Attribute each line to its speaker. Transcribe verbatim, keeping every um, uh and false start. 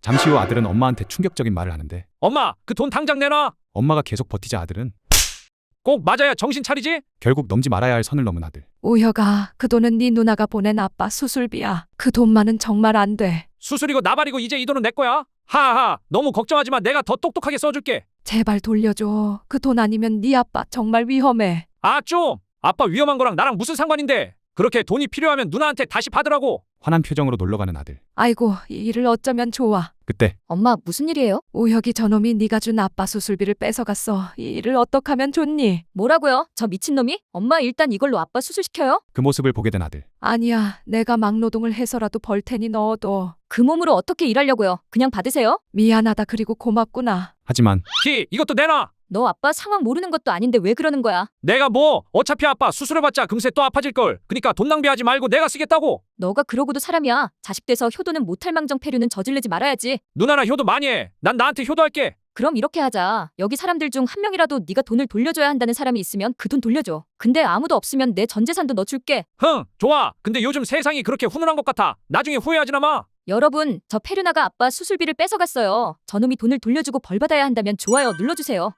Speaker 1: 잠시 후 아들은 엄마한테 충격적인 말을 하는데
Speaker 2: 엄마, 그 돈 당장 내놔.
Speaker 1: 엄마가 계속 버티자 아들은
Speaker 2: 꼭 맞아야 정신 차리지?
Speaker 1: 결국 넘지 말아야 할 선을 넘은 아들.
Speaker 3: 우혁아, 그 돈은 네 누나가 보낸 아빠 수술비야. 그 돈만은 정말 안 돼.
Speaker 2: 수술이고 나발이고 이제 이 돈은 내 거야. 하하, 너무 걱정하지 마. 내가 더 똑똑하게 써줄게.
Speaker 3: 제발 돌려줘. 그 돈 아니면 네 아빠 정말 위험해.
Speaker 2: 아, 좀. 아빠 위험한 거랑 나랑 무슨 상관인데. 그렇게 돈이 필요하면 누나한테 다시 받으라고.
Speaker 1: 화난 표정으로 놀러가는 아들.
Speaker 3: 아이고, 이 일을 어쩌면 좋아.
Speaker 1: 그때
Speaker 4: 엄마, 무슨 일이에요?
Speaker 3: 우혁이 저놈이 네가 준 아빠 수술비를 뺏어갔어. 이 일을 어떡하면 좋니?
Speaker 4: 뭐라고요? 저 미친놈이? 엄마, 일단 이걸로 아빠 수술시켜요?
Speaker 1: 그 모습을 보게 된 아들.
Speaker 3: 아니야, 내가 막노동을 해서라도 벌 테니 넣어둬.
Speaker 4: 그 몸으로 어떻게 일하려고요? 그냥 받으세요?
Speaker 3: 미안하다 그리고 고맙구나.
Speaker 1: 하지만
Speaker 2: 키, 이것도 내놔.
Speaker 4: 너 아빠 상황 모르는 것도 아닌데 왜 그러는 거야?
Speaker 2: 내가 뭐 어차피 아빠 수술해봤자 금세 또 아파질걸. 그니까 돈 낭비하지 말고 내가 쓰겠다고.
Speaker 4: 너가 그러고도 사람이야. 자식 돼서 효도는 못할 망정 폐륜은 저질르지 말아야지.
Speaker 2: 누나나 효도 많이 해. 난 나한테 효도할게.
Speaker 4: 그럼 이렇게 하자. 여기 사람들 중 한 명이라도 네가 돈을 돌려줘야 한다는 사람이 있으면 그 돈 돌려줘. 근데 아무도 없으면 내 전 재산도 너 줄게.
Speaker 2: 흥, 좋아. 근데 요즘 세상이 그렇게 훈훈한 것 같아. 나중에 후회하지나 마.
Speaker 4: 여러분, 저 페르나가 아빠 수술비를 뺏어갔어요. 저놈이 돈을 돌려주고 벌 받아야 한다면 좋아요 눌러주세요.